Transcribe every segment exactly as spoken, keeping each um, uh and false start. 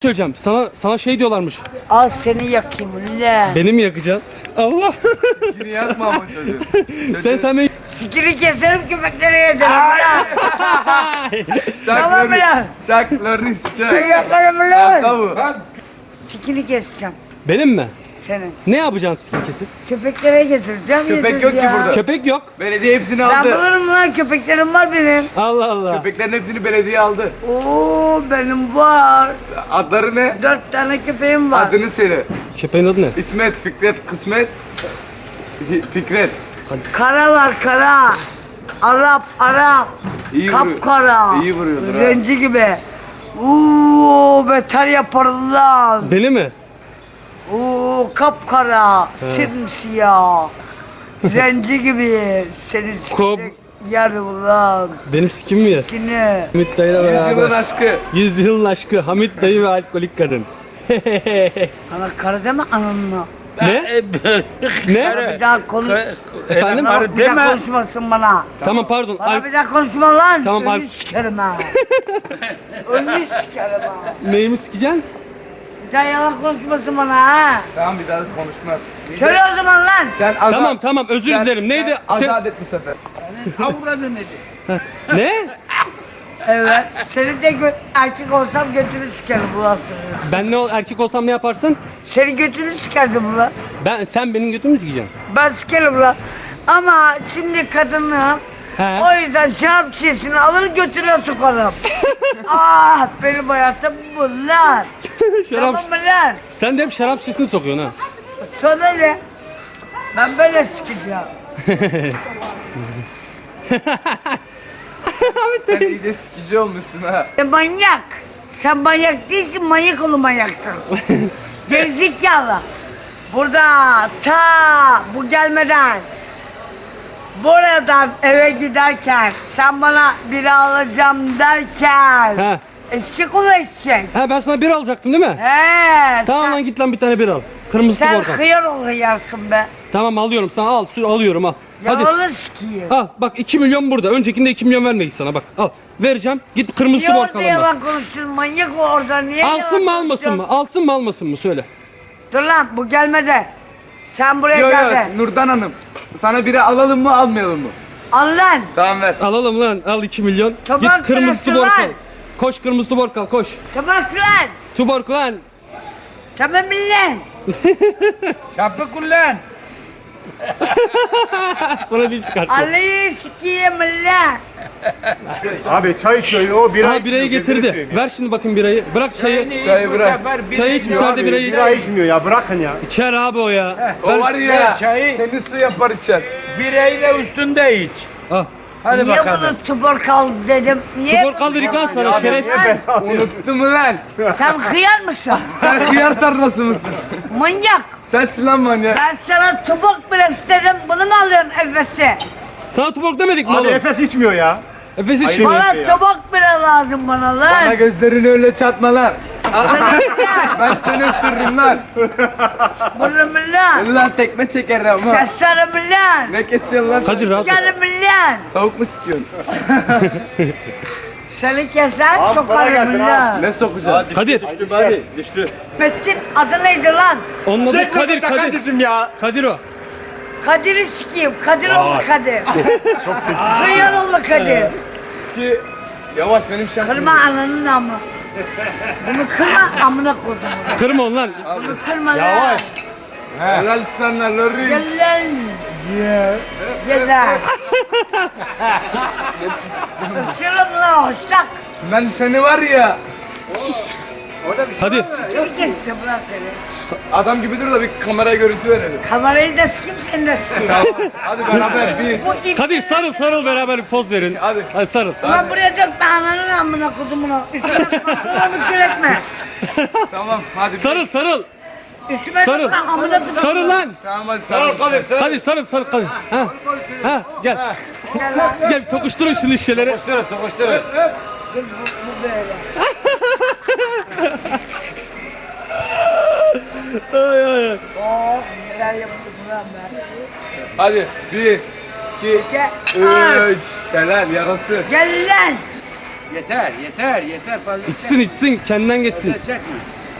Söyleyeceğim. Sana sana şey diyorlarmış. Al seni yakayım ulan. Beni mi yakacaksın? Allah. Yine yakma ama çocuğu. sen sen beni Sikiri keserim köpeklere yedirim ulan. Tamam Çakları, ulan. çakları Sen çak. yaparım Şaka ulan. bu. Sikiri keseceğim benim mi? senin. Ne yapacaksın skin kesip? Köpeklere getireceğim. Köpek yedir yok ki ya. burada. Köpek yok. Belediye hepsini Ben aldı. bulurum lan, köpeklerim var benim. Allah Allah. Köpeklerin hepsini belediye aldı. Oo benim var. Adları ne? Dört tane köpeğim var. Adını söyle. Köpeğin adı ne? İsmet, Fikret, Kısmet. Fi- Fikret. Kara var kara. Arap Arap. İyi vuruyor. Kapkara. İyi vuruyordur ha. Zenci gibi. Oo beter yaparım lan. Beni mi? Oo kapkara. Simsiyah. Zenci gibi. Seni Kop. sikecek yerim lan. Benim skin mi ya? Yine. Hamit dayıyla Yüzyılın beraber. aşkı. Yüzyılın aşkı. Hamit dayı ve alkolik kadın. Ana kara deme ananla. ne? ne? Bir daha konuş. Efendim? Bana bir daha konuşmasın bana. Tamam pardon. Bana Al- bir daha konuşma lan. Tamam, Önünü al- sikerim ha. Önünü sikerim ha. Neyimi sikeceksin? Bir daha yalan konuşmasın bana ha. Tamam bir daha konuşma. Söyle o zaman lan. Sen azat. Tamam tamam özür sen- dilerim. Neydi? sen Sen- Azat et bu sefer. Ne? Evet. Seni de gö- erkek olsam götünü sikerim ulan seni. Ben ne ol- erkek olsam ne yaparsın? Seni götünü sikerdim ulan. Ben sen benim götümü mü sikeceksin? Ben sikerim ulan. Ama şimdi kadınım. He. O yüzden şarap şişesini alır götüne sokarım. Ah benim hayatım bu lan. Şarap. Tamam mı lan? Sen de hep şarap şişesini sokuyorsun ha. Sonra ne? Ben böyle sikeceğim. Sen iyice sikici olmuşsun ha. E manyak. Sen manyak değilsin, manyak oğlu manyaksın. Gerizekalı. Burada ta bu gelmeden buradan eve giderken sen bana biri alacağım derken He. eşek ol eşek. Ha ben sana bir alacaktım değil mi? He. Tamam sen, lan git lan bir tane bir al. Kırmızı sen tuborgan. hıyar ol hıyarsın be. Tamam alıyorum sana al su alıyorum al. Hadi. Yalanı sikiyim. Al bak iki milyon burada. Öncekinde iki milyon vermedik sana bak. Al. Vereceğim. Git kırmızı Niye orada tuborgan al. yalan konuştun? Manyak o orada. Niye Alsın yalan mı almasın konuşuyorsun? mı? Alsın mı almasın mı? Söyle. Dur lan bu gelmedi. Sen buraya Yo yo geldin. Nurdan Hanım. Sana biri alalım mı almayalım mı? Al lan. Tamam ver. Alalım lan. Al iki milyon. Tamam, Git kırmızı sırası tuborgan. var. Koş kırmızı tuborgan koş. Tamam lan. Tuborgan. Tamam lan. Çapı kullan. Sana dil çıkarttı. Allah'ı sikiyim lan. Abi çay içiyor o bira Aha birayı içmiyor, getirdi. gözünü seveyim. Ver şimdi bakayım birayı. Bırak çayı. Çayı bırak. Çayı iç İçmiyor müsaade abi, birayı iç. bira içmiyor ya bırakın ya. İçer abi o ya. O var ya. ver çayı. Senin su yapar içer. Birayı da üstünde iç. Al. Hadi Niye bakalım. bunu tubor kal dedim? Niye? Tubor kaldır lan sana Abi, şerefsiz. lan, Unuttun mu lan? Sen hıyar mısın? Sen hıyar tarlası mısın? Manyak. Sensin lan manyak. Ben sana tubok bile istedim. Bunu mu alıyorsun Efes'i? Sana tubok demedik mi Abi oğlum? Efes içmiyor ya. Efes içmiyor. Bana ya. tubok bile lazım bana Bana lan. gözlerini öyle çatma lan. Ben seni ısırırım lan. Bunu mu lan? Lan tekme çeker ama. Keserim lan. Ne kesiyorsun lan? Kadir rahat ol. Sikerim lan. Tavuk mu sikiyorsun? Seni keser Abi, bana sokarım getir lan. Ne sokacaksın? Kadir. Metin adı neydi lan? Onun adı Çekme Kadir Kadir. kardeşim ya. Kadir o. Kadir'i sikeyim. Kadir oldu Kadir. Hıyar oldu Kadir. Ki yavaş benim şarkım. Kırma ananın amı. Bunu kırma amına koydum. Kırma onu lan. Bunu kırma lan. Helal sana Lori. Gel lan. Gel lan. Öpüyorum lan hoşçak. Ben seni var ya. Hadi. Dur geçti bırak seni. Adam gibi dur da bir kameraya görüntü verelim. Kamerayı da sikeyim seni de sikeyim. Hadi beraber bir. Bu ip... Kadir sarıl sarıl beraber bir poz verin. Hadi. Hadi sarıl. Ulan buraya dökme ananın amına kodumunu. Üstüme pantolonu küretme. Tamam hadi. bir. Sarıl sarıl. Üstüme Sarıl. dökme amına kodumunu. Sarıl lan. Tamam hadi sarıl. Kadir sarıl sarıl Kadir. Ha. Ha gel. Gel lan. Gel tokuşturun şimdi şişeleri. Tokuşturun tokuşturun. Dur bu, bu böyle. Ay ay ay. Oh neler yaptım lan ben. Hadi bir, iki, Gel. üç. Helal yarası. Gel lan. Yeter, yeter, yeter fazla. İçsin içsin kendinden geçsin. Fazla çekme.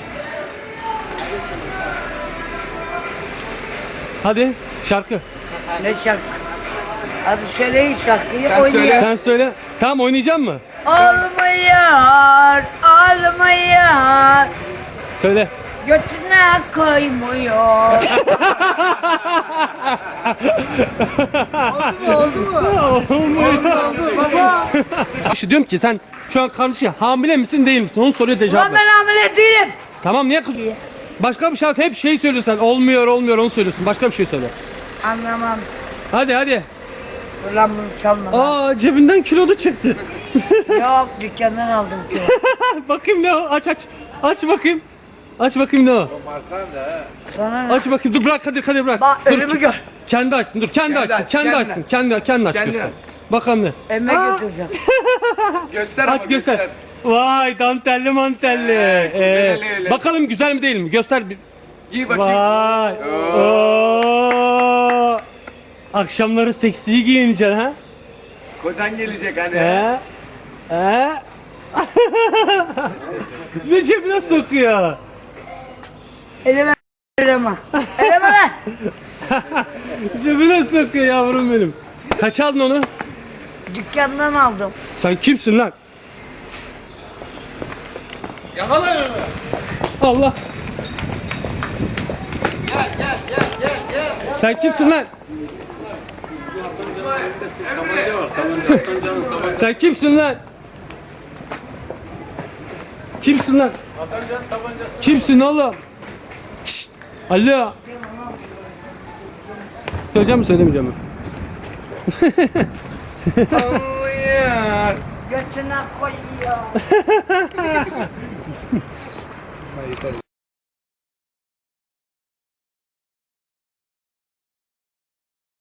Hadi şarkı. Ne şarkı? Hadi söyleyin şarkıyı Sen oynayalım. söyle. Sen söyle. Tamam oynayacak mı? Olmuyor, olmuyor. Söyle. Götüne koymuyor. İşte diyorum ki sen şu an kardeşi hamile misin değil misin? Onu soruyor cevap Ulan ver. ben hamile değilim. Tamam niye kız? Başka bir şey hep şey söylüyorsun. Olmuyor olmuyor onu söylüyorsun. Başka bir şey söyle. Anlamam. Hadi hadi. Ulan bunu çalma. lan. Aa cebinden kilolu çıktı. Yok dükkandan aldım ki. Bakayım ne o? Aç aç. Aç bakayım. Aç bakayım ne o? Sonra ne? Aç bakayım. Dur bırak Kadir Kadir bırak. Bak dur. önümü gör. Kendi açsın. Dur kendi, Kendi açsın. aç, Kendi kendi açsın. aç. Kendi kendi aç Kendi göster. aç. Bakalım ne? Emme Aa, götüreceğim. Göster ama Aç göster. Vay dantelli mantelli. Ee, öyle, öyle. bakalım güzel mi değil mi? Göster bir. Giy bakayım. Vay. Oo. Akşamları seksi giyineceksin ha? Kocan gelecek hani. He? He? Ve cebine sokuyor. Elime eleme. Eleme lan. Cebine sokuyor yavrum benim. Kaç aldın onu? Dükkandan aldım. Sen kimsin lan? Yakala onu. Allah. Sen kimsin lan? Sen kimsin lan? Kimsin lan? Kimsin oğlum? Şşt! Alo. Söyleyeceğim mi söylemeyeceğim mi? Götüne koyuyor.